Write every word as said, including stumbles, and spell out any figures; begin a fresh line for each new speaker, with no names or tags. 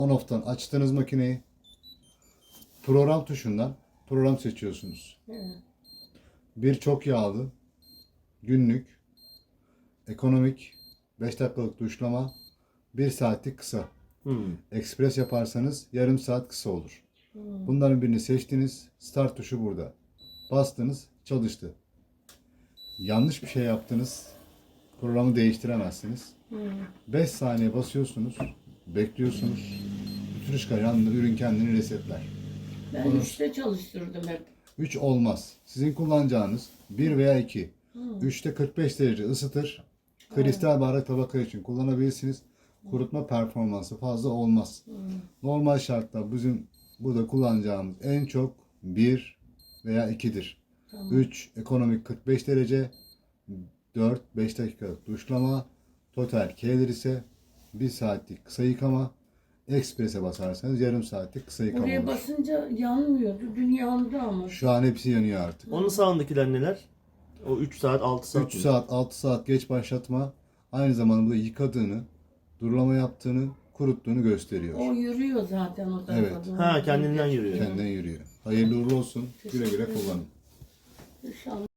On-off'tan açtığınız makineyi program tuşundan program seçiyorsunuz.
Evet.
Bir çok yağlı, günlük, ekonomik, beş dakikalık duşlama, bir saatlik kısa.
Hmm.
Ekspres yaparsanız yarım saat kısa olur.
Hmm.
Bunların birini seçtiniz. Start tuşu burada. Bastınız, çalıştı. Yanlış bir şey yaptınız. Programı değiştiremezsiniz.
Hmm.
beş saniye basıyorsunuz. Bekliyorsunuz. Bütün ışıklar yanında, ürün kendini resetler.
Ben
Bunu-
üçte çalıştırdım hep.
üç olmaz. Sizin kullanacağınız bir veya iki.
Hmm.
üçte kırk beş derece ısıtır. Kristal bardak tabaka için kullanabilirsiniz. Kurutma performansı fazla olmaz.
Hmm.
Normal şartlar bizim burada kullanacağımız en çok bir veya ikidir.
Tamam.
üç ekonomik kırk beş derece, dört beş dakikalık duşlama, total K'ler ise bir saatlik kısa yıkama, eksprese basarsanız yarım saatlik kısa yıkama
Oraya
olur.
basınca yanmıyordu. Dün yandı ama.
Şu an hepsi yanıyor artık.
Onun sağındakiler neler? O üç saat, altı saat
üç
mi?
saat, altı saat geç başlatma aynı zamanda burada yıkadığını, durulama yaptığını, kuruttuğunu gösteriyor.
O yürüyor zaten o tarafa
Evet.
doğru.
Ha, kendinden yürüyor.
Kendinden yürüyor. Hayırlı uğurlu olsun. Güle güle kullanın.
İnşallah.